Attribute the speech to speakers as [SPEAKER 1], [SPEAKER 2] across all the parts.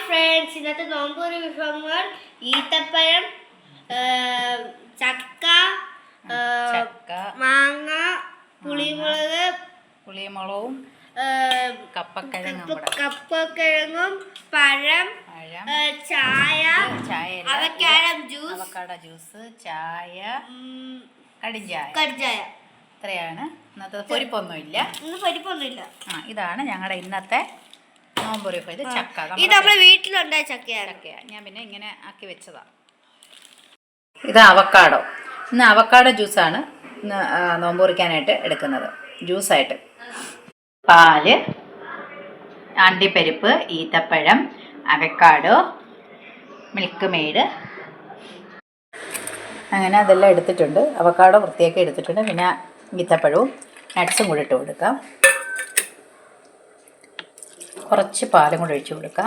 [SPEAKER 1] Friends, ഇന്നത്തെ നോമ്പൂരി വിഭവങ്ങൾ ഈത്തപ്പഴം, ചക്ക, മാങ്ങ,
[SPEAKER 2] പുളിമുളകും
[SPEAKER 1] കപ്പക്കിഴങ്ങും പഴം, ചായ,
[SPEAKER 2] അവക്കാഡോ ജ്യൂസ്, ചായ,
[SPEAKER 1] കടിഞ്ചായ.
[SPEAKER 2] ഇത്രയാണ് ഇന്നത്തെ. പൊരിപ്പൊന്നുമില്ല. ഇതാണ് ഞങ്ങളുടെ ഇന്നത്തെ നോമ്പൊരു. ഇത് ചക്ക,
[SPEAKER 1] ഇത് നമ്മുടെ വീട്ടിലുണ്ടായ ചക്കയാണ്.
[SPEAKER 2] ഞാൻ പിന്നെ ഇങ്ങനെ ആക്കി വെച്ചതാണ്. ഇത് അവക്കാഡോ. ഇന്ന് അവക്കാഡോ ജ്യൂസാണ് ഇന്ന് നോമ്പ് കുറിക്കാനായിട്ട് എടുക്കുന്നത്. ജ്യൂസായിട്ട് പാല്, അണ്ടിപ്പരിപ്പ്, ഈത്തപ്പഴം, അവക്കാഡോ, മിൽക്ക് മെയ്ഡ്, അങ്ങനെ അതെല്ലാം എടുത്തിട്ടുണ്ട്. അവക്കാഡോ വൃത്തിയാക്കി എടുത്തിട്ടുണ്ട്. പിന്നെ ഈത്തപ്പഴവും നട്ട്സും കൂടി ഇട്ട് കൊടുക്കാം. കുറച്ച് പാലും കൂടി ഒഴിച്ച് കൊടുക്കാം.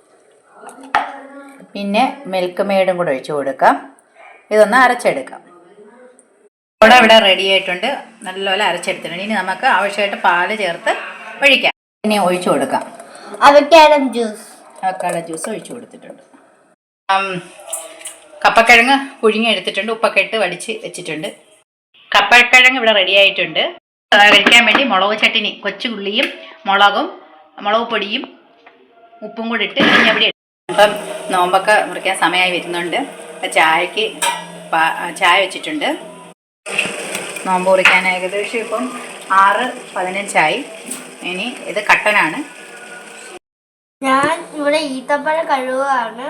[SPEAKER 2] പിന്നെ മിൽക്ക് മെയ്ഡും കൂടി ഒഴിച്ച് കൊടുക്കാം. ഇതൊന്ന് അരച്ചെടുക്കാം. ഇവിടെ റെഡി ആയിട്ടുണ്ട്. നല്ലപോലെ അരച്ചെടുത്തിട്ടുണ്ട്. ഇനി നമുക്ക് ആവശ്യമായിട്ട് പാല് ചേർത്ത് ഒഴിക്കാം. ഇനി ഒഴിച്ചു കൊടുക്കാം.
[SPEAKER 1] അവക്കാഡോ
[SPEAKER 2] ജ്യൂസ് ഒഴിച്ചു കൊടുത്തിട്ടുണ്ട്. കപ്പക്കിഴങ്ങ് പുഴുങ്ങി എടുത്തിട്ടുണ്ട്. ഉപ്പൊക്കെ ഇട്ട് വടിച്ച് വെച്ചിട്ടുണ്ട്. കപ്പക്കിഴങ്ങ് ഇവിടെ റെഡി ആയിട്ടുണ്ട്. കഴിക്കാൻ വേണ്ടി മുളക് ചട്ടിനി, കൊച്ചുള്ളിയും മുളക് പൊടിയും ഉപ്പും കൂടി ഇട്ട് അവിടെ ഇപ്പം നോമ്പൊക്കെ മുറിക്കാൻ സമയമായി വരുന്നുണ്ട്. ചായക്ക് ചായ വെച്ചിട്ടുണ്ട്. നോമ്പ് മുറിക്കാൻ ഏകദേശം ഇപ്പം 6:15 ഇനി ഇത് കട്ടനാണ്.
[SPEAKER 1] ഞാൻ ഇവിടെ ഈത്തപ്പഴം കഴുകുകയാണ്.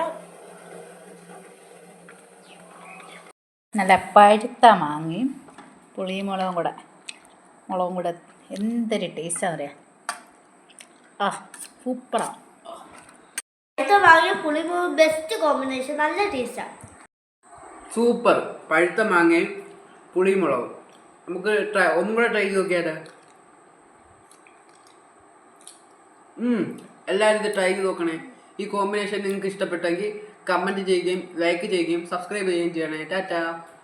[SPEAKER 2] നല്ല പഴുത്ത മാങ്ങയും മുളകും കൂടെ എന്തൊരു ടേസ്റ്റാണെന്ന് അറിയാം. സൂപ്പറാണ്.
[SPEAKER 1] ബെസ്റ്റ് കോമ്പിനേഷൻ, നല്ല ടേസ്റ്റാണ്.
[SPEAKER 3] സൂപ്പർ. പഴുത്ത മാങ്ങയും പുളിമുളകും. നമുക്ക് ഒന്നും കൂടെ ട്രൈ ചെയ്ത് നോക്കിയാലോ? എല്ലാവരും ഇത് ട്രൈ ചെയ്ത് നോക്കണേ. ഈ കോമ്പിനേഷൻ നിങ്ങൾക്ക് ഇഷ്ടപ്പെട്ടെങ്കിൽ കമൻറ്റ് ചെയ്യുകയും ലൈക്ക് ചെയ്യുകയും സബ്സ്ക്രൈബ് ചെയ്യുകയും ചെയ്യണേ. ടാറ്റാ.